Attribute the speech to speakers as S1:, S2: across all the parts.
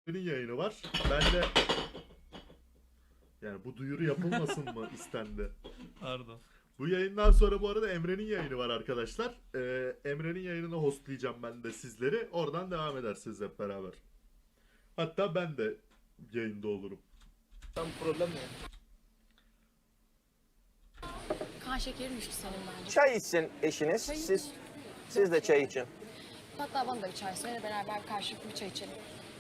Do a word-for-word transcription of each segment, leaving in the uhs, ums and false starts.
S1: yayını var. Ben de yani bu duyuru yapılmasın mı istendi.
S2: Pardon.
S1: Bu yayından sonra bu arada Emre'nin yayını var arkadaşlar. Ee, Emre'nin yayınını hostlayacağım ben de sizleri. Oradan devam edersiniz hep beraber. Hatta ben de yayında olurum.
S3: Tam problem ne?
S4: Kan şekerin düştü senin bence.
S5: Çay içsin eşiniz.
S4: Çay
S5: Siz
S4: iç.
S5: siz de çay için.
S4: Hatta bana da bir çay söyle, beraber karşılıklı bir çay içelim.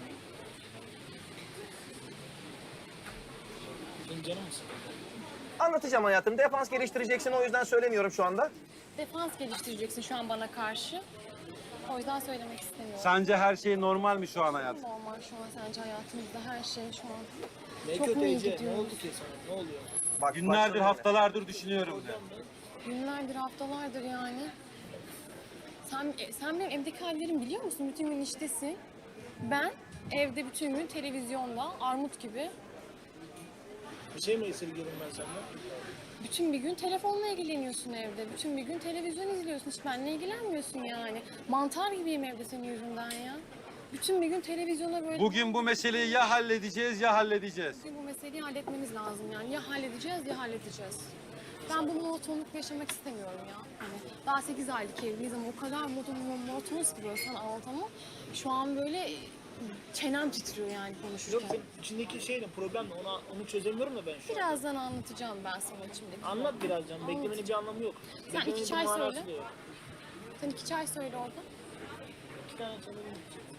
S3: Benim canım mı sıkıldı?
S5: Anlatacağım hayatım. Defans geliştireceksin, o yüzden söylemiyorum şu anda.
S4: Defans geliştireceksin şu an bana karşı. O yüzden söylemek istemiyorum.
S6: Sence her şey normal mi şu an hayat?
S4: Normal şu an sence hayatımızda her şey şu an.
S3: Ne
S4: Çok
S3: kötü
S4: mu iyi
S3: Ece? Ne
S4: gidiyoruz?
S3: oldu ki sana? Ne oluyor?
S5: Bak,
S6: Günlerdir,
S5: başladı yine.
S6: haftalardır düşünüyorum de.
S4: Günlerdir, haftalardır yani. Sen, sen benim evdeki hallerimi biliyor musun? Bütün gün iştesin. Ben evde bütün gün televizyonda, armut gibi.
S3: Bir şey mi esirgiyorum ben senden?
S4: Bütün bir gün telefonla ilgileniyorsun evde. Bütün bir gün televizyon izliyorsun. Hiç benimle ilgilenmiyorsun yani. Mantar gibiyim evde senin yüzünden ya. Bütün bir gün televizyona böyle...
S6: Bugün bu meseleyi ya halledeceğiz ya halledeceğiz.
S4: Bugün bu meseleyi halletmemiz lazım yani. Ya halledeceğiz ya halledeceğiz. Ben bu monotonlukla yaşamak istemiyorum ya. Hani daha sekiz aylık evliyiz ama o kadar monotonuz ki böyle sana anlatamam. Şu an böyle çenem titriyor yani
S3: Yok
S4: konuşurken.
S3: senin içindeki şey ne? Problem ne? Ona, onu çözemiyorum da ben şu an.
S4: Birazdan anlatacağım ben sana içimdeki.
S3: Anlat biraz canım. Beklemenin bir anlamı yok.
S4: Sen
S3: Beklemenin
S4: iki
S3: bir
S4: çay
S3: manası
S4: söyle.
S3: da yok.
S4: Sen iki çay söyle orada.
S3: İki tane çalabilirim.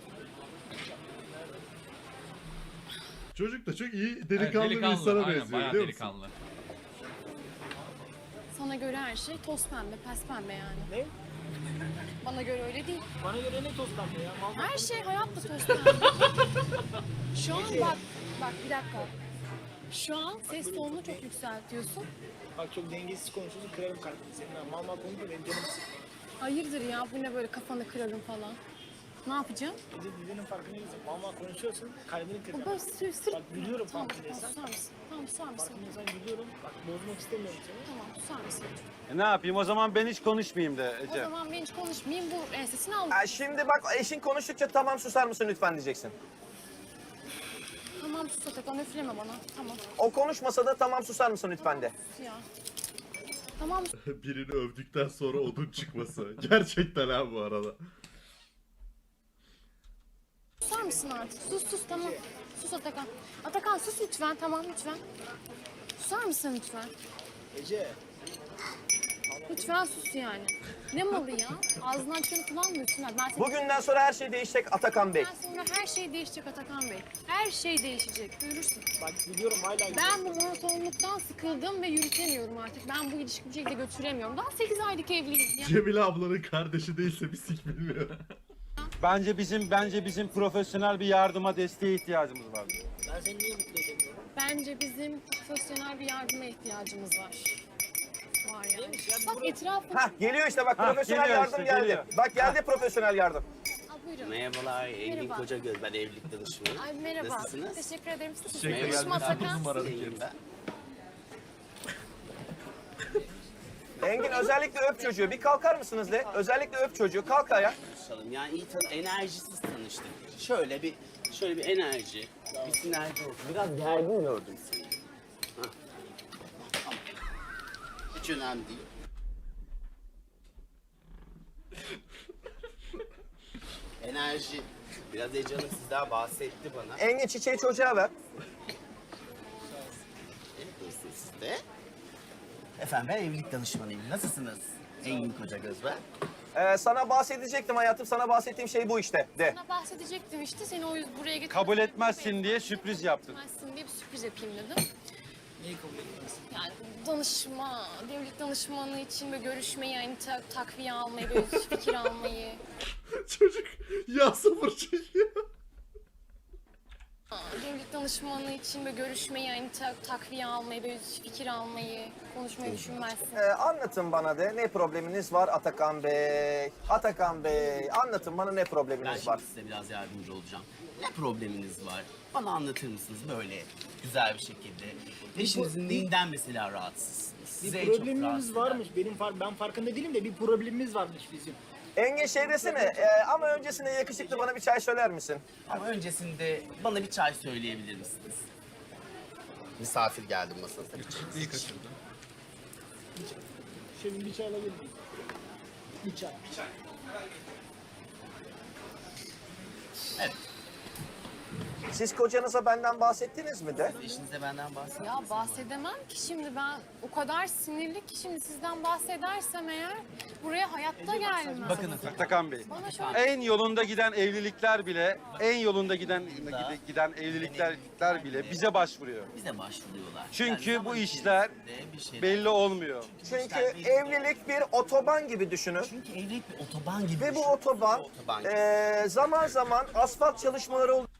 S1: Çocuk da çok iyi
S2: Evet,
S1: delikanlı, bir insana
S2: aynen,
S1: benziyor
S2: bayağı
S1: biliyor musun?
S2: delikanlı.
S4: Sana göre her şey toz pembe, pes pembe yani.
S3: Ne?
S4: Bana göre öyle değil.
S3: Bana göre ne toz pembe ya? Mal
S4: Her şey hayatta toz pembe. Şu an bak, bak bir dakika. Şu an ses tonunu çok yükseltiyorsun.
S3: Bak çok dengesiz konuşuyorsun. Kırarım kalbini senin. ha. Mal mal konuşma benim canım sıkılıyor.
S4: Hayırdır ya, bu ne böyle kafanı kırarım falan. Ne yapacağım?
S3: Ece dediğinin farkına değilsin. Mal mal konuşuyorsun. Kalbini
S4: Bu
S3: kıracağım.
S4: böyle sür sür.
S3: Bak gülüyorum
S4: Tamam, tamam,
S3: farkındaysan.
S4: susar mısın? Tamam, susar mısın?
S3: Farkındaysan gülüyorum. Bak bozmak istemiyorum seni.
S4: Tamam, susar mısın?
S6: E ne yapayım o zaman ben hiç konuşmayayım de
S4: O
S6: Ece.
S4: zaman ben hiç konuşmayayım, bu ensesini al.
S5: Ha, şimdi bak, eşin konuştukça tamam susar mısın lütfen diyeceksin.
S4: Tamam sus Atakan, üfleme bana. Tamam,
S5: O konuşmasa da tamam susar mısın lütfen de.
S4: sus ya. Tamam,
S1: Birini övdükten sonra odun çıkması. Gerçekten ha bu arada.
S4: susar mısın artık? Sus sus, tamam. Sus Atakan. Atakan sus lütfen, tamam lütfen. Susar mısın lütfen?
S3: Ece.
S4: Lütfen sus yani. Ne malı ya? Ağzından çıkanı kullanmıyorsun. Ben seni...
S5: Bugünden sonra her şey değişecek Atakan Bey.
S4: Ben sonra her şey değişecek Atakan Bey. Her şey değişecek. Görürsün.
S3: Bak biliyorum hala
S4: Ben bu monotonluktan sıkıldım ve yürütemiyorum artık. Ben bu ilişkiyi bir şekilde götüremiyorum. Daha sekiz aylık evliyiz ya.
S1: Cemile ablanın kardeşi değilse bir sik bilmiyor.
S6: Bence bizim bence bizim profesyonel bir yardıma, desteğe ihtiyacımız var.
S3: ben seni niye mutlu edemiyorum?
S4: Bence bizim profesyonel bir yardıma ihtiyacımız var. Var yani.
S3: Neymiş ya?
S4: Bak etrafı...
S5: Hah, geliyor işte bak,
S6: Hah,
S5: profesyonel
S6: geliyor
S5: yardım
S6: işte,
S5: geldi.
S6: geliyor.
S5: Bak geldi profesyonel yardım.
S4: Aa, buyurun.
S7: Merhabalar, Engin
S4: Merhaba.
S7: Kocagöz. Ben evlilik danışmanı.
S4: Ay merhaba.
S7: Nasılsınız?
S4: Teşekkür ederim. Siz
S2: Teşekkür
S4: nasılsınız?
S2: ederim.
S4: Konuşma
S2: Dokuz
S4: Atakan.
S2: numaralı
S7: İyiyim ben.
S5: Engin özellikle öp çocuğu. Bir kalkar mısınız de? Özellikle öp çocuğu. Kalk ayağa.
S7: Konuşalım. Yani iyi tan enerjisiz tanıştık. Şöyle bir şöyle bir enerji, bir sinerji oldu. Biraz gergin gördüm seni. Hah. Hiç önemli değil. Enerji. Biraz Ece Hanım sizden bahsetti bana.
S5: Engin çiçeği çocuğa ver.
S7: Evet, siz de. Efendim ben evlilik danışmanıyım. Nasılsınız? Engin Kocagöz ben.
S5: Ee, sana bahsedecektim hayatım. Sana bahsettiğim şey bu işte. De.
S4: Sana bahsedecektim işte. Seni o yüzden buraya getirdim.
S6: Kabul etmezsin diye sürpriz yaptın.
S4: Etmezsin diye bir sürpriz yapayım dedim.
S3: Neyi kabul etmezsin?
S4: Yani danışma, devlet danışmanı için böyle görüşmeyi, yani ta- takviye almayı, böyle fikir almayı.
S1: Çocuk yağ sabır çekiyor.
S4: Devlet danışmanı için böyle görüşmeyi, yani ta- takviye almayı, böyle fikir almayı, konuşmayı düşünmezsin.
S5: Ee, anlatın bana de ne probleminiz var Atakan Bey? Atakan Bey anlatın bana ne
S7: Ben
S5: probleminiz
S7: şimdi
S5: var?
S7: size biraz yardımcı olacağım. Ne probleminiz var? Bana anlatır mısınız böyle güzel bir şekilde? Eşinizin neyinden mesela rahatsızsınız?
S3: Bir
S7: Sizi en çok
S3: problemimiz
S7: rahatsız
S3: varmış.
S7: eden-
S3: Benim far ben farkında değilim de bir problemimiz varmış bizim.
S5: Engin şey desene e, ama öncesinde yakışıklı bana bir çay söyler misin?
S7: Ama öncesinde bana bir çay söyleyebilir misiniz? Misafir geldi masanıza.
S2: İyi kaçırdı.
S3: Şefim bir çay alabilir miyim? Bir çay.
S7: Evet.
S5: Siz kocanıza benden bahsettiniz mi de?
S7: Eşinize benden bahsedin.
S4: Ya bahsedemem ki şimdi ben o kadar sinirli ki şimdi sizden bahsedersem eğer buraya hayatta gelmem.
S7: Bakın
S6: Atakan Bey.
S4: Bana şöyle
S6: En yolunda giden evlilikler bile, en yolunda giden giden evlilikler bile bize başvuruyor.
S7: bize başvuruyorlar.
S6: Çünkü
S7: Yani
S6: bu
S7: zaman
S6: işler
S7: içerisinde bir şeyler-
S6: Belli olmuyor.
S5: Çünkü
S7: işler belli-
S5: evlilik bir otoban gibi düşünün.
S7: Çünkü evlilik bir otoban gibi.
S5: Ve bu
S7: düşün.
S5: otoban
S7: Bir otoban gibi.
S5: e, zaman zaman asfalt çalışmaları oluyor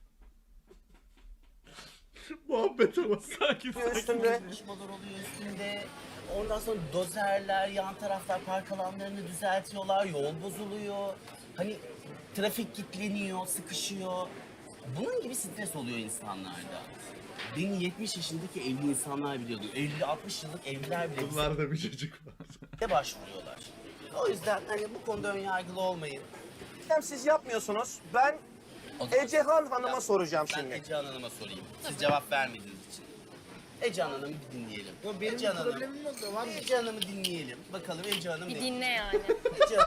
S1: Muhabbet ama sakin
S5: üstünde.
S7: Çalışmalar oluyor üstünde. Ondan sonra dozerler, yan taraflar park alanlarını düzeltiyorlar, yol bozuluyor. Hani trafik kilitleniyor, sıkışıyor. Bunun gibi stres oluyor insanlarda. Beni yetmiş yaşındaki evli insanlar biliyordu. elli altmış yıllık evliler bile
S1: Bunlarda bir çocuk var.
S7: bize başvuruyorlar. O yüzden hani bu konuda önyargılı olmayın.
S5: Hem siz yapmıyorsunuz. Ben
S7: O zaman-
S5: Ecehan Hanım'a soracağım
S7: Ben
S5: şimdi.
S7: Ecehan Hanım'a sorayım. Siz cevap vermediğiniz için. Ecehan Hanım'ı bir dinleyelim.
S3: Yo, benim
S7: Ecehan Hanım.
S3: problemim yok da var mı?
S7: Ecehan Hanım'ı dinleyelim. Bakalım Ecehan Hanım
S4: bir
S7: ne?
S4: dinle yani.
S7: Ecehan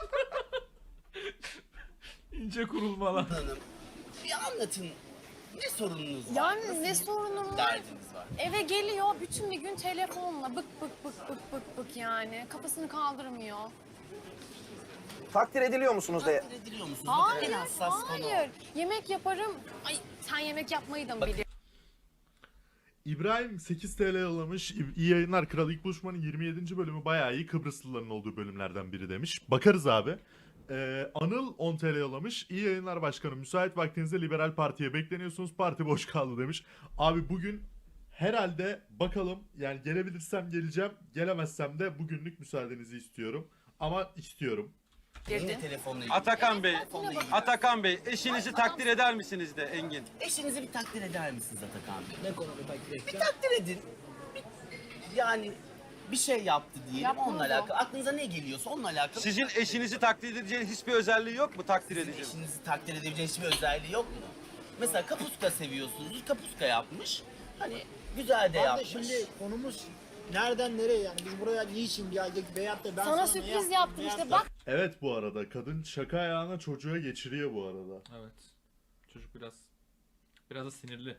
S2: İnce kurulmalar.
S7: Hanım bir anlatın. Ne sorununuz var?
S4: Yani
S7: Nasıl
S4: ne
S7: bir
S4: sorunum var?
S7: derdiniz var?
S4: Eve geliyor bütün bir gün telefonla bık bık bık bık bık bık yani. Kafasını kaldırmıyor.
S5: Takdir ediliyor musunuz de?
S7: Takdir ediliyor musunuz? Bakın
S4: Hayır,
S7: en hassas konu.
S4: hayır. Yemek yaparım. Ay sen yemek yapmayı da mı
S7: Bak-
S4: biliyorsun?
S1: İbrahim sekiz TL yollamış. İyi yayınlar. Kral İlk Buluşma'nın yirmi yedinci bölümü bayağı iyi. Kıbrıslıların olduğu bölümlerden biri demiş. Bakarız abi. Ee, Anıl on TL yollamış. İyi yayınlar başkanım. Müsait vaktinizde Liberal Parti'ye bekleniyorsunuz. Parti boş kaldı demiş. Abi bugün herhalde bakalım yani gelebilirsem geleceğim. Gelemezsem de bugünlük müsaadenizi istiyorum. Ama istiyorum.
S7: Yine telefonla ilgili.
S6: Atakan Bey,
S7: Telefonla ilgili.
S6: Atakan Bey, eşinizi takdir eder misiniz de Engin?
S7: Eşinizi bir takdir eder misiniz Atakan Bey?
S3: Ne konuda takdir
S7: Bir
S3: edeceğim?
S7: takdir edin. Bir- yani bir şey yaptı diyelim
S4: Yapmaz
S7: onunla
S4: o.
S7: alakalı. Aklınıza ne geliyorsa onunla alakalı.
S6: Sizin eşinizi takdir edeceğiniz hiçbir özelliği yok mu takdir
S7: Sizin
S6: edeceğiniz?
S7: eşinizi takdir edebileceğiniz hiçbir özelliği yok mu? Mesela kapuska seviyorsunuz. Kapuska yapmış. Hani güzel de
S3: Abi
S7: yapmış.
S3: şimdi konumuz nereden nereye yani? Biz buraya niçin geldik veyahut da ben
S4: Sana
S3: ne
S4: sürpriz
S3: yaptım
S4: yaptım
S3: veyahut
S4: işte
S3: da-
S4: bak.
S1: Evet bu arada kadın şaka ayağına çocuğa geçiriyor bu arada.
S2: Evet. Çocuk biraz biraz da sinirli.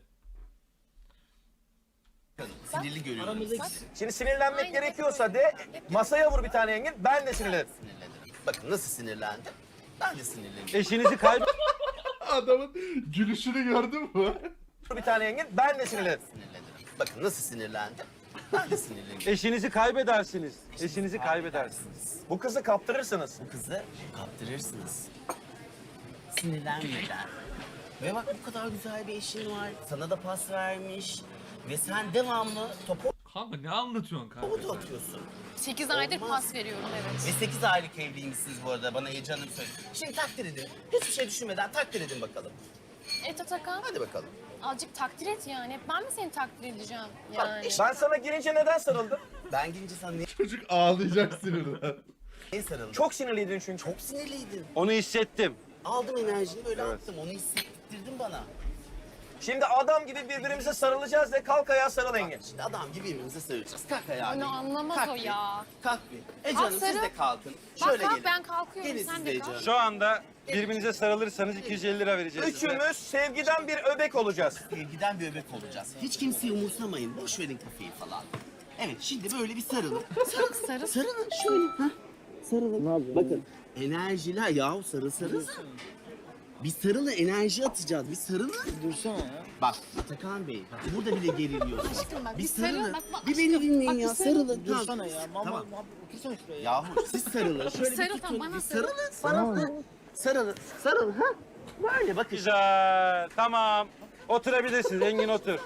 S7: Sinirli görüyorum.
S3: Aramızdaki
S5: Şimdi sinirlenmek
S4: Aynen.
S5: gerekiyorsa de masaya vur bir tane Engin. Ben de sinirlenirim.
S7: Sinirlenirim. Bakın nasıl sinirlendi. Ben de sinirlenirim.
S6: Eşinizi kaybeder
S1: Adamın gülüşünü gördün mü?
S5: Vur bir tane Engin. Ben de sinirlenirim.
S7: Sinirlenirim. Bakın nasıl sinirlendi. Ben de sinirlenirim.
S6: Eşinizi kaybedersiniz. Eşinizi kaybedersiniz.
S5: Bu kızı kaptırırsınız.
S7: Bu kızı kaptırırsınız. Sinirlenmeden. Ve bak bu kadar güzel bir eşin var. Sana da pas vermiş. Ve sen devamlı topu
S2: Kanka ne anlatıyorsun kanka?
S7: topu da atıyorsun.
S4: sekiz aydır
S7: Olmaz.
S4: pas veriyorum evet.
S7: Ve sekiz aylık evliymişsiniz bu arada bana Ece Hanım söyledi. Şimdi takdir edin. Hiçbir şey düşünmeden takdir edin bakalım.
S4: Et Atakan
S7: Hadi bakalım.
S4: azıcık takdir et yani. Hep ben mi seni takdir edeceğim
S7: Bak,
S4: yani?
S7: işte-
S5: Ben sana girince neden sarıldım?
S7: Ben gelince sana niye,
S1: Çocuk ağlayacak sinirden.
S7: niye sarıldım?
S5: Çok sinirliydin çünkü.
S7: çok sinirliydin.
S6: Onu hissettim.
S7: Aldım enerjini böyle attım. Onu hissettirdin bana.
S5: Şimdi adam gibi birbirimize sarılacağız de kalk ayağa sarıl Engin.
S7: Şimdi adam gibi birbirimize sarılacağız. Kalk ayağa.
S4: Onu
S7: bir.
S4: anlamaz
S7: Kalk
S4: o
S7: bir.
S4: ya.
S7: Kalk bir. Ece
S4: Kalk
S7: Hanım siz
S4: sarıl.
S7: de kalkın.
S4: Bak
S7: Şöyle
S4: kalk
S7: gelin.
S4: ben kalkıyorum
S7: Gelin
S4: sen
S7: siz
S4: de
S7: de
S4: kalk.
S7: Ece Hanım.
S6: Şu anda birbirinize sarılırsanız iki yüz elli lira vereceğiz size.
S5: Üçümüz sevgiden bir öbek olacağız.
S7: Sevgiden bir öbek olacağız. Hiç kimseyi umursamayın. Boş verin kafayı falan. Evet şimdi böyle bir sarılın.
S4: Sarıl sarıl.
S7: Sarılın şöyle. Ha? Sarılın. Bakın enerjiler yahu sarıl sarıl. Bir sarılın enerji atacağız. Bir sarılın.
S3: Dursana ya.
S7: Bak Atakan Bey bak burada bile geriliyorsunuz.
S4: Aşkım bak
S7: Bir
S4: bir sarıl.
S7: sarılın.
S4: Bak, bak,
S7: Bir beni
S4: aşkım,
S7: dinleyin
S4: bak, bir
S7: ya
S4: sarıl.
S7: sarılın.
S3: Dursana
S7: Tamam.
S3: ya. Mama,
S7: Tamam.
S3: mama, otursana şuraya ya.
S7: Yahu siz sarılın. Şöyle bir
S4: Sarıl
S7: tutun.
S4: tam bana
S7: bir
S4: sarıl.
S7: sarılın. Sarılın. Sarılın. Sarılın. Ha? Böyle bakın.
S6: Güzel. Tamam. Oturabilirsiniz. Engin otur.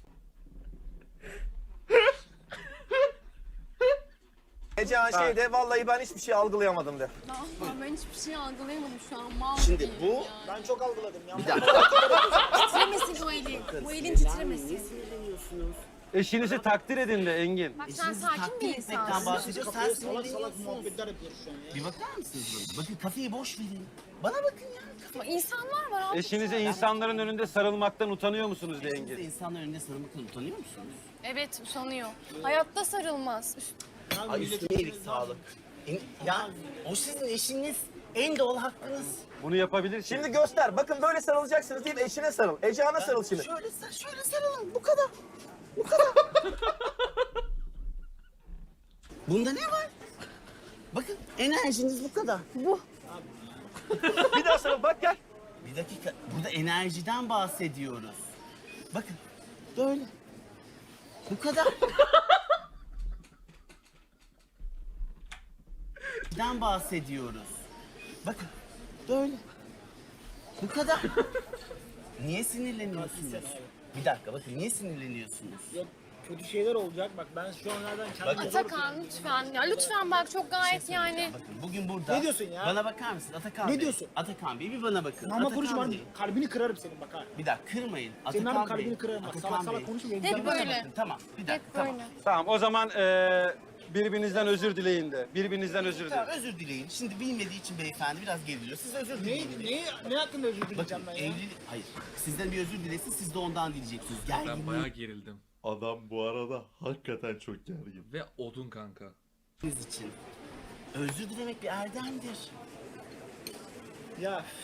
S5: Ecehan şeyde vallahi ben hiçbir şey algılayamadım de.
S4: Ne yapayım ben hiçbir şey algılayamadım şu an. Mal
S7: Şimdi
S4: gibiyim
S7: bu-
S4: ya.
S3: Ben çok algıladım ya.
S7: Bir dakika.
S4: Titremesin o elin. Bu elin
S7: Sinirlenmeyin.
S4: titremesin.
S7: Niye sinirleniyorsunuz?
S6: Eşinizi takdir edin de Engin.
S4: Bak sen
S7: Eşinizi
S4: sakin bir
S7: takdir etmekten
S4: insansın.
S7: bahsediyor. Sen
S3: Kafaya salak salak
S7: sinirleniyorsunuz.
S3: muhabbetler yapıyoruz şu an ya.
S7: Bir bakar mısınız bana? Bakın kafayı boş verin. Bana bakın ya.
S4: Ama İnsanlar var abi.
S6: Eşinize insanların önünde sarılmaktan utanıyor musunuz de
S7: Eşinize
S6: Engin?
S7: insanların önünde sarılmaktan utanıyor musunuz?
S4: Evet usanıyor. Hayatta sarılmaz. Üst-
S3: Ya
S7: Ay
S3: milletin
S7: üstüne iyilik
S3: içinde
S7: sağlık. En- Ya o sizin eşiniz, en doğal hakkınız.
S6: Bunu yapabilir
S5: Şimdi göster. Bakın böyle sarılacaksınız deyip eşine sarıl. Ecehan'a sarıl şimdi.
S7: Şöyle, sar- şöyle sarılın, bu kadar. Bu kadar. Bunda ne var? Bakın enerjiniz bu kadar.
S4: Bu.
S5: Bir daha sarıl bak gel.
S7: Bir dakika, burada enerjiden bahsediyoruz. Bakın, böyle. Bu kadar. Den bahsediyoruz. Bakın, böyle. Bu kadar. Niye sinirleniyorsunuz? Bir dakika, bakın niye sinirleniyorsunuz?
S3: Yok kötü şeyler olacak. Bak ben şu an nereden kendimi zor
S4: Atakan lütfen. Ya lütfen bak çok gayet yani.
S7: Bakın bugün burada...
S3: Ne diyorsun ya?
S7: Bana bakar mısın Atakan
S3: Ne
S7: Bey?
S3: diyorsun?
S7: Atakan Bey bir bana bakın.
S3: Ama
S7: Atakan
S3: konuşma
S7: Bey.
S3: kalbini kırarım senin bak ha.
S7: Bir dakika kırmayın.
S3: Senin
S7: Atakan
S3: abi kalbini
S7: Bey.
S3: kırarım bak.
S7: Atakan
S3: Salak salak
S7: Bey.
S3: konuşma. benim
S4: Hep
S3: canımı
S4: böyle.
S3: sıkma.
S7: Bakın, tamam bir dakika
S4: Hep
S7: tamam.
S4: böyle.
S6: Tamam o zaman eee, birbirinizden özür dileyin de. Birbirinizden özür
S7: Tamam
S6: dileyin.
S7: özür dileyin. Şimdi bilmediği için beyefendi biraz geriliyor. Siz özür
S3: Ne,
S7: dileyin.
S3: ne, ne hakkında özür
S7: Bakın
S3: dileyeceğim ben ya?
S7: evlilik... Hayır. Sizden bir özür dilesin siz de ondan dileyeceksiniz.
S2: Ben
S7: Gerginliğiniz
S2: bayağı gerildim.
S1: Adam bu arada hakikaten çok gergin.
S2: Ve odun kanka.
S7: için. Özür dilemek bir erdemdir.
S3: Ya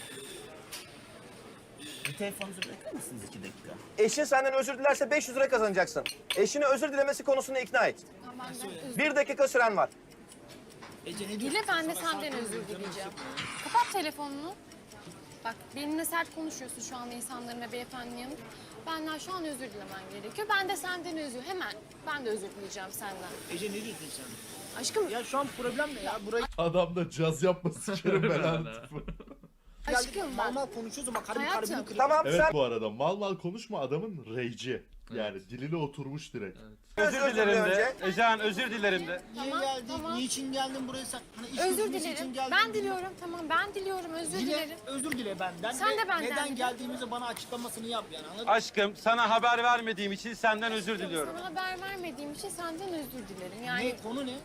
S7: Bir telefonunuzu bırakır mısınız iki dakika?
S5: Eşin senden özür dilerse beş yüz lira kazanacaksın. Eşini özür dilemesi konusunda ikna et.
S4: Tamam, ben özür
S5: Bir dakika süren var.
S3: Ece ne diyorsun?
S4: Dile ben de senden özür dileyeceğim. Kapat telefonunu. Bak benimle sert konuşuyorsun şu anda insanların ve beyefendinin yanında. Benden şu an özür dilemen gerekiyor. Ben de senden özür, hemen ben de özür dileyeceğim senden.
S3: Ece ne diyorsun sen?
S4: Aşkım,
S3: Ya şu an problem ne ya? Buraya
S1: Adam da caz yapması sikerim belanı.
S4: aşkım
S3: mal
S4: bak.
S3: mal konuşuyorsun bak kalbini
S4: Hayatım.
S3: kalbini kırıyor.
S5: Tamam
S1: Evet
S5: sen
S1: bu arada mal mal konuşma adamın rage'i. Yani diline oturmuş direkt.
S6: Özür
S5: özür dile
S6: dilerim de.
S5: önce.
S6: Ecehan özür dilerim de.
S3: Niye
S4: Tamam,
S3: geldin?
S4: tamam.
S3: Niçin geldin buraya sen? Hani iş
S4: Özür
S3: görüşmesi için
S4: dilerim.
S3: geldin.
S4: Ben diliyorum. Tamam ben diliyorum. Özür
S3: Dile,
S4: dilerim.
S3: özür dile benden.
S4: Sen
S3: Ve
S4: de benden
S3: Neden
S4: dile.
S3: geldiğimizi bana açıklamasını yap yani anladın mı?
S6: Aşkım sana haber vermediğim için senden özür diliyorum.
S4: Sana haber vermediğim için senden özür dilerim. Yani
S3: Ne konu ne?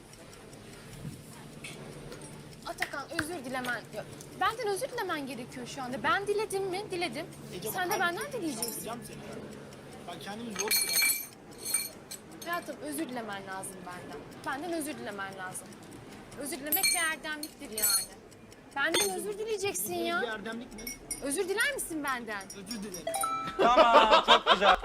S4: Atakan özür dilemen. ya, Benden özür dilemen gerekiyor şu anda. Ben diledim mi? Diledim.
S3: Ece,
S4: Sen de
S3: bak,
S4: benden dileyeceksin.
S3: Yapacağım seni. Ben kendimi zor tutuyorum.
S4: Hayatım özür dilemen lazım benden. Benden özür dilemen lazım. Özür dilemek bir erdemliktir yani. Benden özür dileyeceksin
S3: Bir
S4: ya.
S3: erdemlik mi?
S4: Özür diler misin benden?
S3: Özür dilerim.
S6: Tamam çok güzel.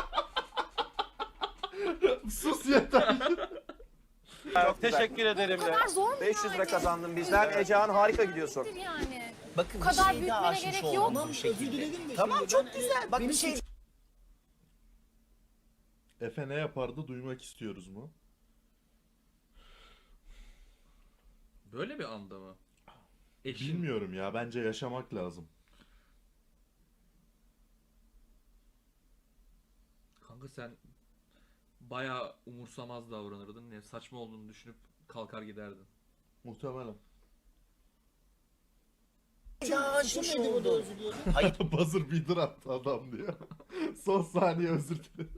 S1: Sus yeter.
S6: Çok teşekkür ederim
S4: Bu
S6: de.
S4: kadar zor mu
S5: beş yüz
S4: yani?
S5: lira kazandın bizden. Ecehan harika gidiyorsun.
S4: Yani.
S7: Bakın
S4: Bu
S7: bir
S4: kadar
S7: şey daha
S4: büyütmene
S7: aşmış
S4: gerek yok.
S7: oldunuz
S3: Tamam
S7: bu
S3: özür
S7: şekilde.
S3: diledim de
S7: Tamam
S3: şimdi
S7: çok
S3: ben-
S7: güzel. Bak
S3: benim
S7: bir şey
S3: suçum-
S1: Efe ne yapardı duymak istiyoruz mu?
S2: Böyle bir anda mı? Eşin
S1: Bilmiyorum ya bence yaşamak lazım.
S2: kanka sen bayağı umursamaz davranırdın. Ne saçma olduğunu düşünüp kalkar giderdin.
S1: Muhtemelen.
S7: daha aşmış
S3: Suçum neydi burada
S7: oldun.
S3: özür dilerim?
S7: Hayır
S1: Buzzer beater attı adam diyor. Son saniye özür dilerim.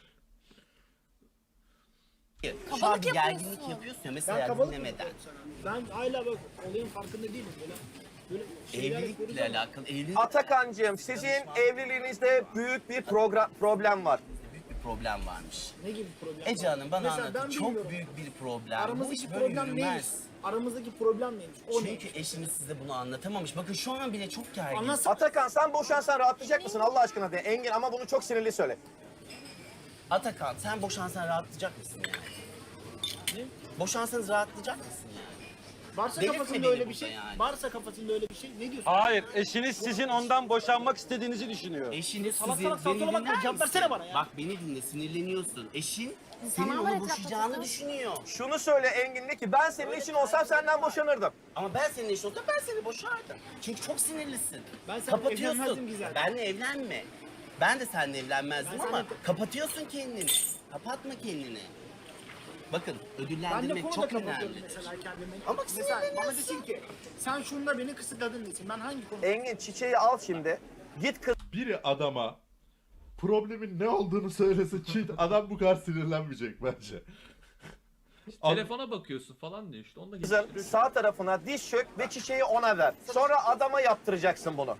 S7: şu an
S4: Kabalık
S7: bir gerginlik
S4: yapıyorsun.
S7: yapıyorsun ya
S3: Ben
S7: mesela
S3: kabalık mı
S7: dinlemeden.
S3: yapıyorum sana? Ben hala bak olayın farkında değilim böyle. Böyle şeyler yapıyoruz
S7: Evlilikle
S3: ama
S7: alakalı evlilik
S5: Atakan'cığım sizin evliliğinizde büyük bir program, problem var.
S7: büyük bir problem varmış.
S3: ne gibi problem
S7: Ece
S3: var?
S7: Hanım bana
S3: Mesela
S7: anlattı.
S3: ben
S7: Çok
S3: bilmiyorum.
S7: büyük bir problem. Bu
S3: Aramızdaki
S7: iş böyle
S3: problem neymiş?
S7: yürümez.
S3: Aramızdaki problem neymiş? O ne?
S7: Çünkü eşiniz size bunu anlatamamış. Bakın şu an bile çok gergin.
S3: Anlatsana.
S5: Atakan sen boşansan rahatlayacak mısın Allah aşkına de. Engin ama bunu çok sinirli söyle.
S7: Atakan sen boşansan rahatlayacak mısın yani?
S3: Ne?
S7: Boşansanız rahatlayacak mısın yani?
S3: Varsa
S7: Delirtme
S3: kafasında
S7: beni
S3: öyle bir
S7: burada
S3: şey.
S7: yani.
S3: Varsa kafasında öyle bir şey. Ne diyorsun?
S6: Hayır eşiniz sizin ondan boşanmak istediğinizi düşünüyor.
S7: Eşiniz
S3: Salak
S7: sizin,
S3: salak salak
S7: beni
S3: salak
S7: dinler
S3: cevap
S7: misin?
S3: versene bana ya.
S7: Bak beni dinle sinirleniyorsun. Eşin senin
S4: İnsanlar var
S7: onu
S4: etrafta
S7: boşayacağını
S4: zaten.
S7: düşünüyor.
S5: Şunu söyle Engin de ki ben senin eşin olsam senden boşanırdım.
S7: Ama ben senin eşin olsam ben seni boşardım. Çünkü çok sinirlisin.
S3: Ben seninle
S7: Kapatıyorsun.
S3: evlenmezdim ki zaten.
S7: Benle evlenme. Ben de seninle evlenmezdim
S3: Ben
S7: ama
S3: seninle-
S7: kapatıyorsun kendini. Kapatma kendini. Bakın
S3: Ben de
S7: ödüllendirmek
S3: konuda
S7: çok
S3: kapatıyorum
S7: önemlidir.
S3: mesela kendimi.
S7: Ama
S3: mesela bana
S7: sinirleniyorsun.
S3: desin ki sen şunda beni kısıtladın desin. Ben hangi konuda?
S5: Engin çiçeği al şimdi. Git kız
S1: Biri adama problemin ne olduğunu söylese ki adam bu kadar sinirlenmeyecek bence. An-
S2: Telefona bakıyorsun falan diyor işte. Onu da
S5: Kızın
S2: geliştiriyor.
S5: sağ tarafına diz çök ve çiçeği ona ver. Sonra adama yaptıracaksın bunu.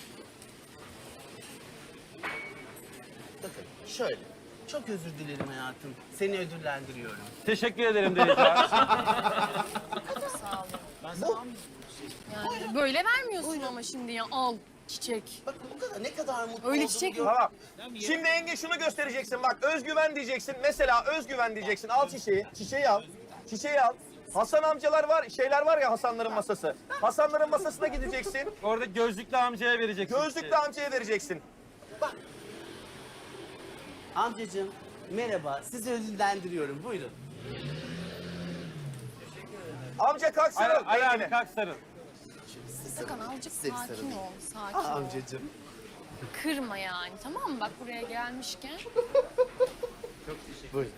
S7: Bakın şöyle. Çok özür dilerim hayatım. Seni ödüllendiriyorum.
S6: Teşekkür ederim Denizcan.
S4: Sağ olun.
S3: Ben sana almayayım.
S4: Yani böyle vermiyorsun ama şimdi ya al çiçek.
S7: Bakın bu kadar ne kadar mutlu
S4: Öyle
S7: olduğumu
S4: çiçek
S7: gör-
S4: mi?
S5: Tamam. Şimdi Engin şunu göstereceksin. Bak özgüven diyeceksin. Mesela özgüven diyeceksin. Al çiçeği. Çiçeği al. Çiçeği al. Hasan amcalar var, şeyler var ya Hasanların masası. Hasanların masasına gideceksin.
S6: Orada gözlüklü amcaya vereceksin.
S5: Gözlüklü amcaya vereceksin.
S7: Amcacığım merhaba. Sizi ödüllendiriyorum. Buyurun.
S5: Amca kalk
S6: Ali,
S5: sarıl.
S6: Ali abi
S5: Engin'e.
S6: kalk sarıl.
S4: Sakın azıcık
S7: Size bir
S4: sakin
S7: sarılayım.
S4: ol. Sakin
S7: Ah,
S4: ol.
S7: amcacığım.
S4: Kırma yani tamam mı? Bak buraya gelmişken.
S7: Buyurun.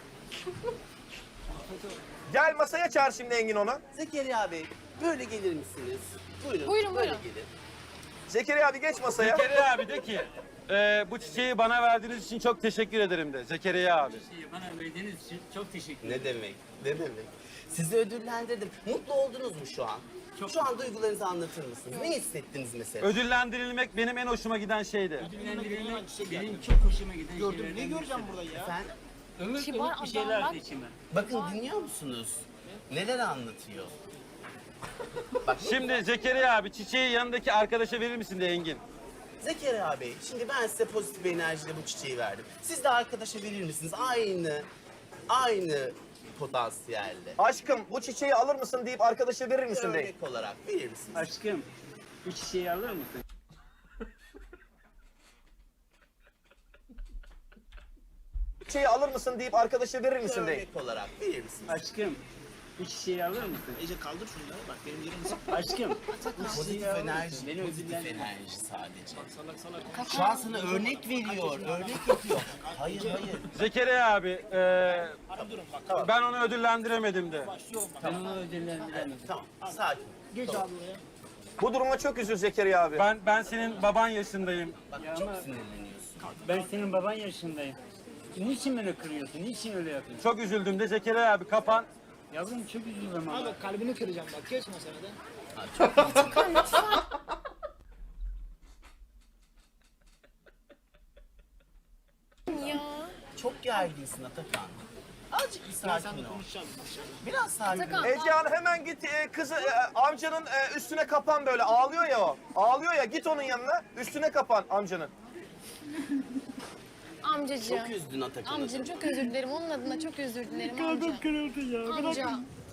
S5: Gel masaya çağır şimdi Engin onu.
S7: Zekeriya Bey böyle gelir misiniz? Buyurun.
S4: Buyurun,
S7: böyle
S4: buyurun.
S7: gelin.
S5: Zekeriya abi geç masaya.
S6: Zekeriya abi de ki e, bu çiçeği bana verdiğiniz için çok teşekkür ederim de Zekeriya abi.
S8: Bana verdiğiniz için çok teşekkür ederim.
S7: Ne demek? Ne demek? Sizi ödüllendirdim. Mutlu oldunuz mu şu an? Şu an duygularınızı anlatır mısınız? Ne hissettiniz mesela?
S6: Ödüllendirilmek benim en hoşuma giden şeydi.
S8: Ödüllendirilmek benim çok hoşuma giden
S3: Gördüm. Ne
S8: şeylerden
S3: göreceğim
S8: birisi.
S3: burada ya?
S7: Efendim?
S8: Ömür
S4: Kibar
S8: ömür bir şeyler
S4: adamlar.
S8: de içime.
S7: Bakın dinliyor musunuz? Neler anlatıyor?
S6: Şimdi Zekeriya abi çiçeği yanındaki arkadaşa verir misin de Engin?
S7: Zekeriya Bey, şimdi ben size pozitif enerjiyle bu çiçeği verdim. Siz de arkadaşa verir misiniz? Aynı, aynı potansiyelle.
S5: Aşkım bu çiçeği alır mısın deyip arkadaşa verir misin deyip.
S7: Örnek olarak verir misiniz?
S8: Aşkım bu çiçeği alır mısın?
S5: Çiçeği alır mısın deyip arkadaşa verir misin deyip.
S7: Örnek olarak verir misiniz?
S8: Aşkım bu çiçeği alır mısın?
S3: Ece kaldır şunları. Bak benim yerim sık.
S8: Aşkım
S7: Pozitif enerji,
S8: Beni
S7: pozitif
S8: ödüllendir.
S7: enerji sadece.
S3: Salak salak.
S7: Şu an sana örnek veriyor, örnek yapıyor. Hayır, hayır.
S6: Zekeriya abi e,
S3: Durun bak.
S6: ben onu ödüllendiremedim de.
S3: Başlıyorum bak.
S8: Ben onu ödüllendiremem.
S7: Tamam, sakin.
S3: Geç abi oraya.
S5: Bu duruma çok üzül Zekeriya abi.
S6: Ben ben senin baban yaşındayım.
S7: Bak
S8: Ya
S7: çok
S8: ama-
S7: sinirleniyorsun.
S8: Ben senin baban yaşındayım. Niçin beni kırıyorsun? Niçin öyle yapıyorsun?
S6: Çok üzüldüm de Zekeriya abi kapan.
S8: Yavrum çok üzüldüm
S3: Abi
S8: ama.
S3: bak kalbini kıracağım bak. Geç meselede.
S4: Ya.
S7: Çok gerginsin Atakan. Azıcık bir
S3: Ben
S7: sakin
S3: seninle
S7: ol.
S3: konuşacağım. konuşacağım.
S7: Biraz sakin
S4: Atakan.
S7: ol.
S5: Ecehan hemen git e, kızı e, amcanın e, üstüne kapan böyle ağlıyor ya o. Ağlıyor ya git onun yanına üstüne kapan amcanın.
S4: Amcacığım.
S7: Çok üzdün Atakan'ı.
S4: Amcacığım çok özür dilerim. Onun adına çok özür dilerim amca.
S8: kırıldı ya.
S4: Amca.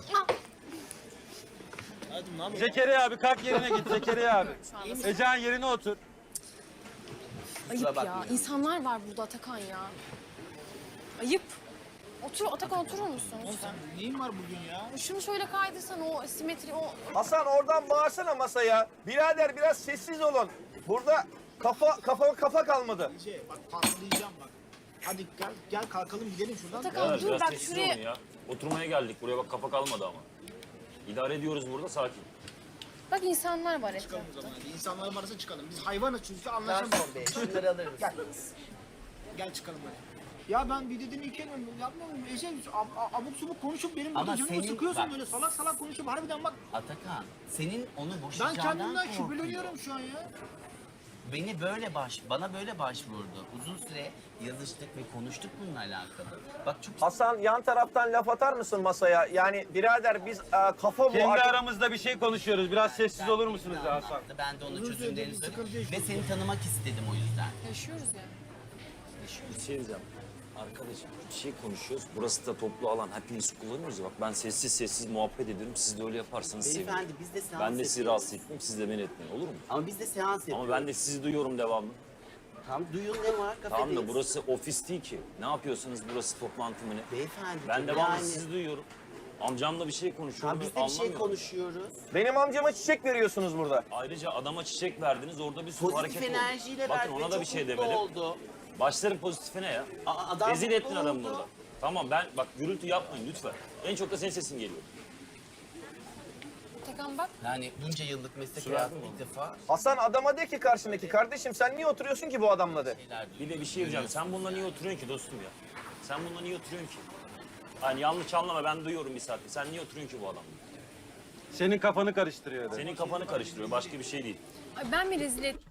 S3: Hadi ne yapayım?
S6: Zekeriya abi kalk yerine git Zekeriya abi. Ecehan yerine otur.
S4: Ayıp ya.
S7: bakmayın.
S4: İnsanlar var burada Atakan ya. Ayıp. Otur Atakan oturur musun lütfen?
S3: Neyin var bugün ya?
S4: Şunu şöyle kaydırsan o simetri o
S5: Hasan oradan bağırsana masaya. Birader biraz sessiz olun. Burada kafa kafa kafa kalmadı.
S3: Ece bak patlayacağım bak. Hadi gel gel kalkalım gidelim şuradan.
S4: Atakan dur bak
S9: Sessiz
S4: şuraya.
S9: olun ya. Oturmaya geldik. Buraya bak kafa kalmadı ama. İdare ediyoruz burada sakin.
S4: Bak insanlar var
S3: Çıkalım
S4: etrafta.
S3: o zaman hadi. İnsanların arasına çıkalım. Biz hayvanız çünkü anlaşamayız.
S7: Garson Bey, şunları alır mısınız?
S3: Gel çıkalım hadi. Ya ben bir dediğini iki elmem yapmıyorum. Ece ab- ab- abuk subuk konuşup benim burada
S7: Ama
S3: canımı
S7: senin-
S3: sıkıyorsun
S7: bak-
S3: böyle salak salak konuşup harbiden bak.
S7: Atakan, senin onu
S3: Ben
S7: boşayacağından
S3: kendimden
S7: korkuyor.
S3: şüpheleniyorum şu an ya.
S7: Beni böyle baş, bana böyle başvurdu. Uzun süre yazıştık ve konuştuk bununla alakalı. Bak çok
S5: Hasan yan taraftan laf atar mısın masaya? Yani birader biz e, kafa bu.
S6: Kendi
S5: artık-
S6: aramızda bir şey konuşuyoruz. Biraz sessiz olur musunuz ya Hasan?
S7: anlattı. Ben de onun
S3: Uzun
S7: çözümlerini
S3: süredir bir
S7: söyledim.
S3: sıkıntı
S7: Ve
S3: yaşıyoruz.
S7: seni tanımak istedim o yüzden.
S4: Yaşıyoruz ya.
S9: Bir şey diyeceğim. Arkadaşım bir şey konuşuyoruz. Burası da toplu alan. Hepimiz kullanıyoruz ya. Bak ben sessiz sessiz muhabbet ediyorum. Siz de öyle yaparsanız sevinirim.
S7: Beyefendi biz de seans
S9: Ben de sizi
S7: yapıyoruz.
S9: rahatsız etmeyeyim. Siz de beni etmeyin. Olur mu?
S7: Ama biz de seans yapıyoruz.
S9: Ama ben de sizi duyuyorum devamlı.
S7: Tam duyun ne var kafedeyiz.
S9: Tamam da burası ofis değil ki. Ne yapıyorsunuz burası toplantı mı ne?
S7: Beyefendi.
S9: Ben devamlı
S7: yani...
S9: sizi duyuyorum. Amcamla bir şey konuşuyorum.
S7: Tam biz de bir şey
S9: anlamıyorum.
S7: konuşuyoruz.
S5: Benim amcama çiçek veriyorsunuz burada.
S9: Ayrıca adama çiçek verdiniz. Orada bir sürü
S7: Pozitif
S9: hareket oldu.
S7: enerjiyle
S9: Bakın
S7: verdi.
S9: ona da
S7: çok
S9: bir şey
S7: mutlu
S9: demedim.
S7: oldu.
S9: Başlarım pozitifine ya.
S7: Aa, adam
S9: Rezil
S7: mutlu
S9: ettin adamı
S7: oldu.
S9: burada. Tamam ben bak gürültü yapmayın lütfen. En çok da senin sesin geliyor.
S4: Atakan bak.
S7: Yani bunca yıllık meslek
S9: Sürer
S7: hayatım
S9: mi
S7: ilk defa
S5: Hasan adama de ki karşındaki kardeşim sen niye oturuyorsun ki bu adamla de.
S7: şeyler duydum.
S9: Bir de bir şey diyeceğim. Sen bununla niye oturuyorsun ki dostum ya? Sen bununla niye oturuyorsun ki? Hani yanlış anlama, ben duyuyorum bir saattir. Sen niye oturuyorsun ki bu adamla?
S6: Senin kafanı karıştırıyor.
S9: Senin kafanı karıştırıyor. Başka bir şey değil.
S4: Ay ben mi rezil ettim?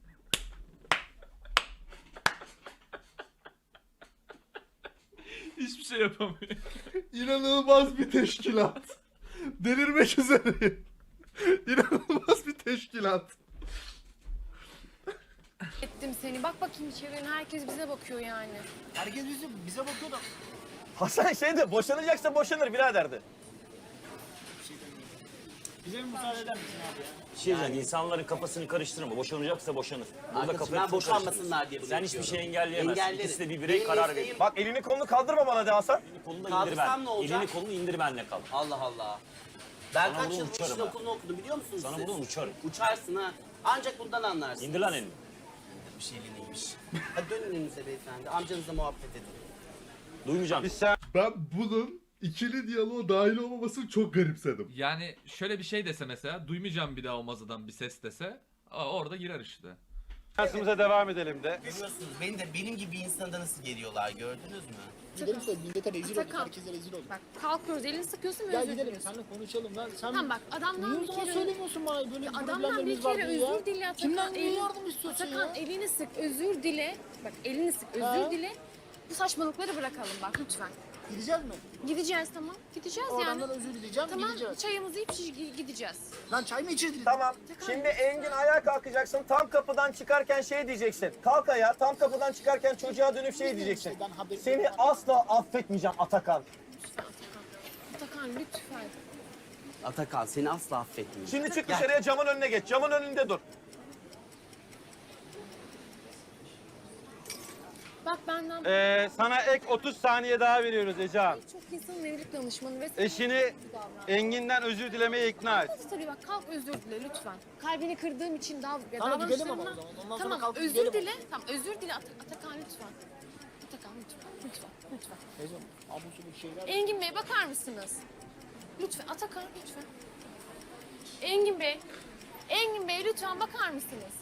S2: Hiçbir şey yapamıyor.
S1: İnanılmaz bir teşkilat. Delirmek üzereyim. İnanılmaz bir teşkilat.
S4: ettim seni. Bak bakayım içeriye. Herkes bize bakıyor yani.
S3: Herkes bize, bize bakıyor da.
S5: Hasan şeydi boşanacaksa boşanır biraderdi.
S3: Bize bir müsaade eder misin abi ya?
S9: Bir şey diyeceğim. İnsanların kafasını karıştırma. Boşanacaksa boşanır. Burada
S7: Arkadaşım,
S9: kafayı
S7: ben
S9: çok
S7: boşanmasınlar diye bunu
S9: Sen hiçbir
S7: yapıyorum.
S9: şey engelleyemezsin.
S7: Engellerim.
S9: İkisi de bir birey
S7: Benim
S9: karar
S7: mesleğim-
S9: verir.
S5: Bak elini kolunu kaldırma bana de Hasan.
S9: Elini kolunu indir
S7: Kaldırsam
S9: ben.
S7: ne olacak?
S9: Elini kolunu indir benle kal.
S7: Allah Allah. Ben
S9: Sana
S7: kaç
S9: bunu
S7: yıl
S9: uçarım
S7: işin
S9: ha.
S7: okulunu okudum biliyor musunuz
S9: Sana
S7: siz?
S9: buradan uçarım.
S7: Uçarsın ha. Ancak bundan anlarsın.
S9: İndir lan elini.
S7: Bir şey neymiş. Hadi dönün önünüze beyefendi. Amcanızla muhabbet edin.
S9: Duymayacağım.
S6: Biz sen
S1: Ben bunun ikili diyaloğa dahil olmamasını çok garipsedim.
S2: Yani şöyle bir şey dese mesela, duymayacağım bir daha o mazadan bir ses dese, aa, orada girer işte.
S6: şansımıza devam edelim de.
S7: Görüyorsunuz beni de benim gibi bir insanda nasıl geliyorlar gördünüz mü?
S3: Gidelim de millete rezil olduk,
S4: Atakan.
S3: herkese rezil olduk.
S4: Bak kalkıyoruz. Elini sıkıyorsun ve
S3: Gel
S4: özür
S3: gidelim,
S4: diliyorsun.
S3: seninle konuşalım lan. Sen
S4: Tamam bak adamdan
S3: niye o
S4: bir
S3: zaman
S4: kere...
S3: söylemiyorsun bana böyle
S4: Adamdan bir
S3: problemlerimiz var
S4: kere
S3: diye ya?
S4: özür dile Atakan.
S3: Kimden niye
S4: Elini-
S3: yardım istiyorsun
S4: Atakan
S3: ya?
S4: elini sık, özür dile. Bak elini sık, özür
S3: Ha?
S4: dile. Bu saçmalıkları bırakalım bak lütfen.
S3: Gideceğiz mi?
S4: Gideceğiz tamam. Gideceğiz
S3: O
S4: yani.
S3: adamdan özür dileyeceğim,
S4: Tamam
S3: gideceğiz.
S4: çayımızı içip gi- gideceğiz.
S3: Lan çay mı içeceğiz?
S5: Tamam. Şimdi Engin ayağa kalkacaksın. Tam kapıdan çıkarken şey diyeceksin. Kalk ayağa. Tam kapıdan çıkarken çocuğa dönüp şey diyeceksin.
S3: Şeyden haberim
S5: Seni
S3: yok.
S5: asla affetmeyeceğim Atakan.
S4: Lütfen Atakan. Atakan lütfen.
S7: Atakan seni asla affetmeyeceğim.
S5: Şimdi çık
S7: Gel.
S5: dışarıya camın önüne geç. Camın önünde dur.
S4: Bak benden
S6: Ee, sana ek otuz saniye daha veriyoruz Ecehan.
S4: çok insanın evlilik danışmanı ve
S6: Eşini Engin'den özür dilemeye ikna et.
S4: Tabii bak kalk özür dile lütfen. Kalbini kırdığım için daha ya
S3: Tamam, gidelim
S4: davranışlarımla-
S3: ama o zaman. Ondan sonra
S4: Tamam
S3: kalkıp
S4: özür
S3: gidelim
S4: dile. Tamam özür dile At- Atakan lütfen. Atakan lütfen. Lütfen. Lütfen.
S3: Teyzem, abuk subuk şeyler.
S4: Engin Bey bakar mısınız? Lütfen Atakan lütfen. Engin Bey. Engin Bey lütfen bakar mısınız?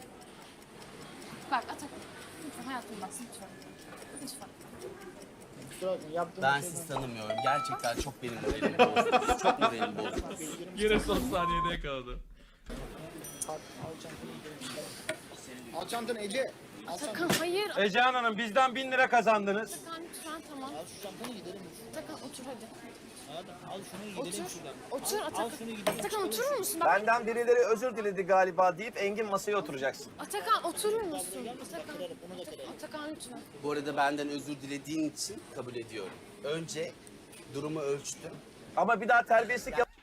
S4: Bak Atakan. Lütfen hayatım bak lütfen. Lütfen.
S3: Kusura bakma, yaptığım
S7: Ben
S3: şeyden-
S7: sizi tanımıyorum. Gerçekten çok benim moralimi bozdunuz. Çok moralimi bozdunuz.
S2: Yine son saniyede yakaladı.
S3: Kalk, al çantanı gidelim. Al çantanı Ece. Al
S4: Atakan
S3: çantanı.
S4: hayır.
S6: Ecehan Hanım bizden bin lira kazandınız.
S4: Atakan lütfen tamam.
S3: Al şu çantanı gidelim.
S4: Atakan otur hadi.
S3: Hadi, al şunu gidelim
S4: Otur.
S3: şuradan.
S4: Otur
S3: Al,
S4: Atakan.
S3: al şunu gidelim.
S4: Atakan oturur musun? Bak
S5: Benden birileri özür diledi galiba deyip Engin masaya oturacaksın.
S4: Atakan oturur musun? Atakan.
S3: Kırarım, onu da kırarım.
S4: Atakan lütfen.
S7: Bu arada benden özür dilediğin için kabul ediyorum. Önce durumu ölçtüm.
S5: Ama bir daha terbiyesizlik yap.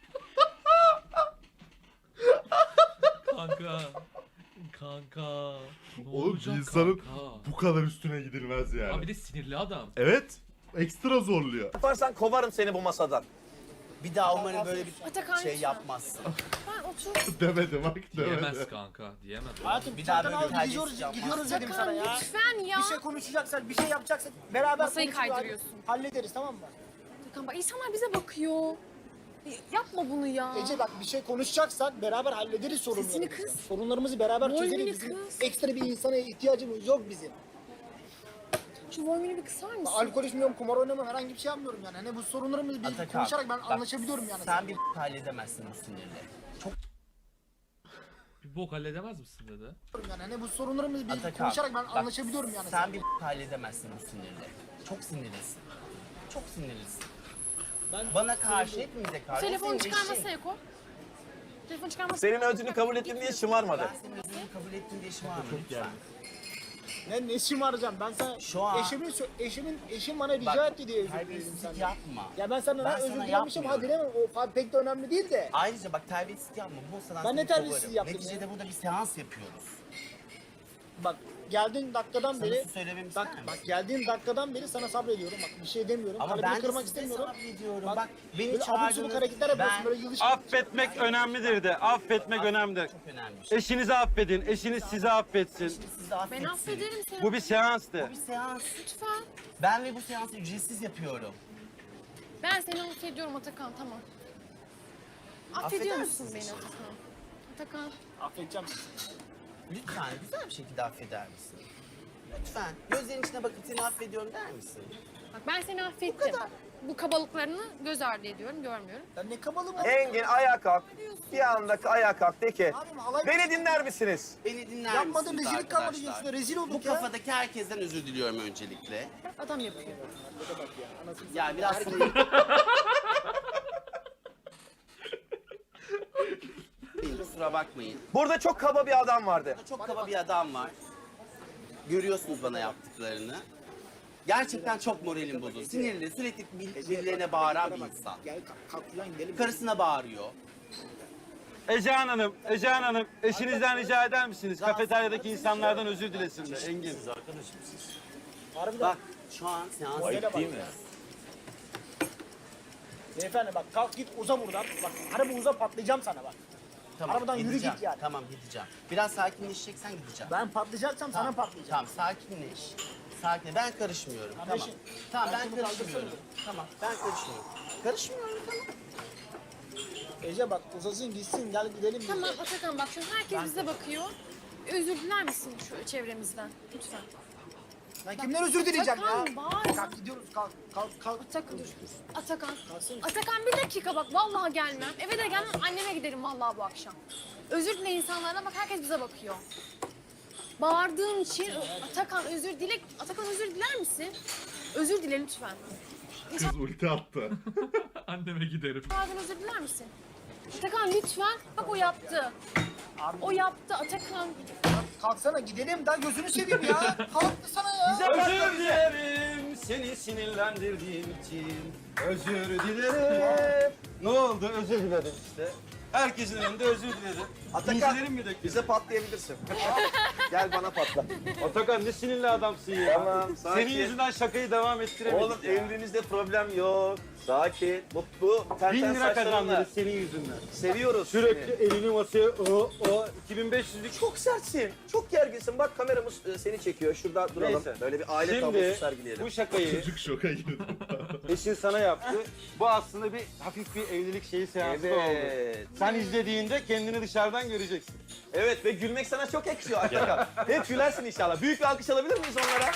S2: Kanka. Kanka. Ne
S1: Oğlum bir
S2: olacak
S1: insanın
S2: kanka?
S1: bu kadar üstüne gidilmez yani.
S2: Abi bir de sinirli adam.
S1: Evet. Ekstra zorluyor.
S5: Yaparsan kovarım seni bu masadan.
S7: Bir daha umarım böyle bir
S4: Atakan
S7: şey
S4: lütfen.
S7: yapmazsın.
S4: Ben otur.
S1: Demedi bak
S2: Diyemez
S1: demedi.
S2: kanka. Diyemez.
S3: Hayatım
S7: Bir daha
S3: çantanı
S7: böyle
S3: al
S7: bir
S3: gidiyoruz,
S7: terbiyesizlik
S3: gidiyoruz dedim sana
S4: Atakan
S3: ya.
S4: lütfen ya.
S3: Bir şey konuşacaksak, bir şey yapacaksak beraber
S4: Masayı
S3: konuşup
S4: kaydırıyorsun.
S3: hallederiz tamam mı?
S4: Atakan bak insanlar bize bakıyor. Yapma bunu ya.
S3: Ece bak bir şey konuşacaksak beraber hallederiz sorunlarımızı.
S4: Sesini kıs.
S3: Sorunlarımızı beraber
S4: Volümünü
S3: çözeriz. Bizim
S4: kıs.
S3: ekstra bir insana ihtiyacımız yok bizim.
S4: Şu volümünü bir kısar mısın?
S3: Alkol içmiyorum, kumar oynamıyorum, herhangi bir şey yapmıyorum yani. Hani bu sorunlarımızı bir
S7: Atakan,
S3: konuşarak ben
S7: bak,
S3: anlaşabiliyorum yani.
S7: Sen bir halledemezsin bu sinirle. Çok
S2: Bir bok halledemez misin dedi.
S3: Yani hani bu sorunlarımızı bir
S7: Atakan,
S3: konuşarak ben
S7: bak,
S3: anlaşabiliyorum yani.
S7: Sen bir halledemezsin bu sinirle. Çok sinirlisin. Çok sinirlisin.
S3: Ben
S7: Bana karşı, hepimize karşı.
S4: Telefonu
S7: senin
S4: çıkar
S7: eşin.
S4: masaya koy. Telefonu çıkar masaya
S5: Senin özrünü kabul ettim diye şımarmadı.
S7: Ben senin özrünü kabul ettiğin diye şımarma lütfen.
S3: Ne ne şımaracağım ben sana
S7: Şu an-
S3: eşimin sö- eşimin eşim bana rica
S7: Bak,
S3: etti diye özür diledim
S7: terbiyesizlik
S3: senden.
S7: yapma.
S3: Ya ben senden
S7: Ben
S3: özür
S7: sana
S3: dilemişim hadi
S7: yapmıyorum.
S3: demem o fa- pek de önemli değil de.
S7: Ayrıca bak terbiyesizlik yapma. Bu sana
S3: Ben ne
S7: seni
S3: terbiyesizliği
S7: kovarım.
S3: yaptım ya?
S7: Neticede burada bir seans yapıyoruz.
S3: Bak geldiğin dakikadan
S7: Sana
S3: beri
S7: su söylememi
S3: bak
S7: ister misin?
S3: bak geldiğin dakikadan beri sana sabrediyorum. Bak bir şey demiyorum.
S7: Ama
S3: Kalbini
S7: ben de
S3: kırmak
S7: size
S3: istemiyorum.
S7: sabrediyorum.
S3: Bak,
S7: Bak, beni
S3: böyle abuk subuk
S7: çağırdınız.
S3: hareketler yapıyorsun
S7: Ben-
S3: böyle yılış.
S6: Affetmek önemlidir de. Affetmek önemlidir.
S7: Çok önemli bir şey.
S6: Eşinizi affedin. Eşiniz sizi affetsin.
S7: Şimdi siz de
S4: Ben
S7: affetsin.
S4: affederim seni.
S6: Bu bir seanstı.
S7: Bu bir seans.
S4: Lütfen.
S7: Ben ve bu seansı ücretsiz yapıyorum.
S4: Ben seni affediyorum Atakan tamam. Affediyor
S7: Affeder
S4: musun
S7: misin?
S4: beni Atakan? Atakan.
S3: Affedeceğim.
S7: Lütfen güzel bir şekilde affeder misin? Lütfen gözlerin içine bakıp seni affediyorum der misin?
S4: Bak ben seni affettim.
S7: kadar.
S4: Bu kabalıklarını göz ardı ediyorum, görmüyorum.
S3: Ya ne kabalı mı?
S5: Engin ayağa kalk. Bir anda ayağa kalk de ki
S3: Abim halay
S5: beni dinler misiniz?
S7: Beni dinler
S3: yapmadım,
S7: misiniz
S3: rezillik kalmadı
S7: arkadaşlar?
S3: gençler, rezil
S7: Bu
S3: olduk ya.
S7: kafadaki herkesten özür diliyorum öncelikle.
S4: Adam yapıyor.
S7: Ya biraz sinir... Kusura bakmayın.
S5: Burada çok kaba bir adam vardı.
S7: Burada çok kaba bir adam var. Görüyorsunuz bana yaptıklarını. Gerçekten çok moralim bozuldu. Sinirli, sürekli bir- birilerine bağıran bir insan.
S3: Gel kalk, kalk ulan gidelim.
S7: Karısına bağırıyor.
S6: Ecehan Hanım, Ecehan Hanım eşinizden rica eder misiniz? Kafeteryadaki insanlardan özür dilesin de Engin.
S9: Siz arkadaşım siz.
S3: Harbiden.
S7: Bak şu an seans...
S3: Ayıp
S9: Değil mi?
S3: Beyefendi bak kalk git uza buradan. Bak harbi uza patlayacağım sana bak. Arabadan yürü
S7: gideceğim.
S3: git yani.
S7: Tamam gideceğim. Biraz sakinleşeceksen gideceğim.
S3: Ben patlayacaksam sana patlayacağım.
S7: Tamam sakinleş. Sakin. Ben karışmıyorum. Tamam.
S3: Kardeşim,
S7: Tamam ben
S3: kardeşimi
S7: karışmıyorum. Tamam ben karışmıyorum. Karışmıyorum tamam.
S3: Ece bak uzasın gitsin gel gidelim.
S4: Tamam Atakan bak şu an herkes bize bakıyor. Özür diler misin şu çevremizden? Lütfen.
S3: Ben kimden özür dileyeceğim ya?
S4: Atakan bağırma.
S3: Kalk gidiyoruz kalk kalk kalk.
S4: Atakan dur. Atakan.
S3: Kalsın.
S4: Atakan bir dakika bak vallahi gelmem. Eve de gelmem anneme giderim vallahi bu akşam. Özür dile insanlardan bak herkes bize bakıyor. Bağırdığın için Atakan özür dile. Atakan özür diler misin? Özür dile lütfen.
S1: Kız ulti attı.
S2: Anneme giderim.
S4: İnsanlardan özür diler misin? Atakan lütfen. Bak o yaptı. O yaptı Atakan.
S3: Kalksana gidelim daha gözünü seveyim ya. Kalk sana ya.
S6: Özür dilerim seni sinirlendirdiğim için. Özür dilerim. Ne oldu? Özür diledim işte. Herkesin önünde özür diledim.
S5: Atakan,
S6: İncilerim mi döküldü?
S5: Bize patlayabilirsin. Gel bana patla.
S6: Atakan ne sinirli adamsın ya.
S5: Tamam, sakin.
S6: Senin yüzünden şakayı devam ettiremedik
S5: Oğlum
S6: ya.
S5: evliliğinizde problem yok. Sakin, mutlu, ten
S6: Bin
S5: ten
S6: lira
S5: saçlarınla.
S6: kazandırız senin yüzünden.
S5: Seviyoruz
S6: Sürekli
S5: seni.
S6: elini masaya o o iki bin beş yüzlük.
S5: Çok sertsin, çok gerginsin. Bak kameramız e, seni çekiyor. Şurada duralım.
S6: Neyse.
S5: Böyle bir aile tablosu
S6: Şimdi
S5: sergileyelim.
S6: bu şakayı
S1: Çocuk şoka girdi.
S6: eşin sana yaptı. Bu aslında bir hafif bir evlilik şeyi seansı da oldu.
S5: Evet.
S6: Sen izlediğinde kendini dışarıdan göreceksin.
S5: Evet ve gülmek sana çok yakışıyor Atakan. Hep gülersin inşallah. Büyük bir alkış alabilir miyiz onlara?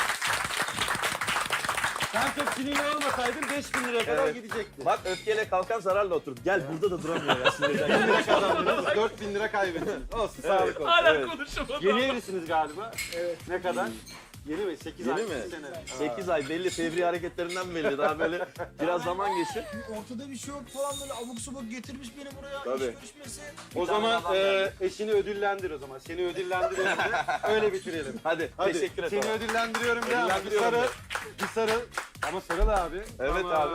S6: Sen çok sinirli olmasaydın beş bin liraya kadar
S5: Evet.
S6: gidecekti.
S5: Bak öfkeyle kalkan zararla oturur. Gel burada da duramıyor ya sinirden.
S6: bin lira kazandınız, dört bin lira kaybettiniz. Olsun, sağlık olsun.
S2: Hala
S5: Evet.
S2: konuşamadım.
S6: Yeni evlisiniz galiba. Evet. Ne kadar? Yeni mi? sekiz
S5: Yeni
S6: ay,
S5: mi?
S6: sekiz sene.
S5: sekiz ay belli, fevri hareketlerinden belli. Daha böyle biraz zaman geçsin.
S3: Ortada bir şey yok falan böyle abuk subuk getirmiş beni buraya.
S5: Tabii.
S3: İş görüşmesi.
S6: O zaman e, eşini ödüllendir o zaman. Seni ödüllendiriyorum de öyle bitirelim.
S5: Hadi,
S6: Hadi.
S5: teşekkür ederim.
S6: Seni ödüllendiriyorum de ama bir
S5: Ödüllendiriyorum
S6: sarı,
S5: de.
S6: bir sarı. Ama sarı da abi.
S5: Evet
S6: Ama-
S5: abi.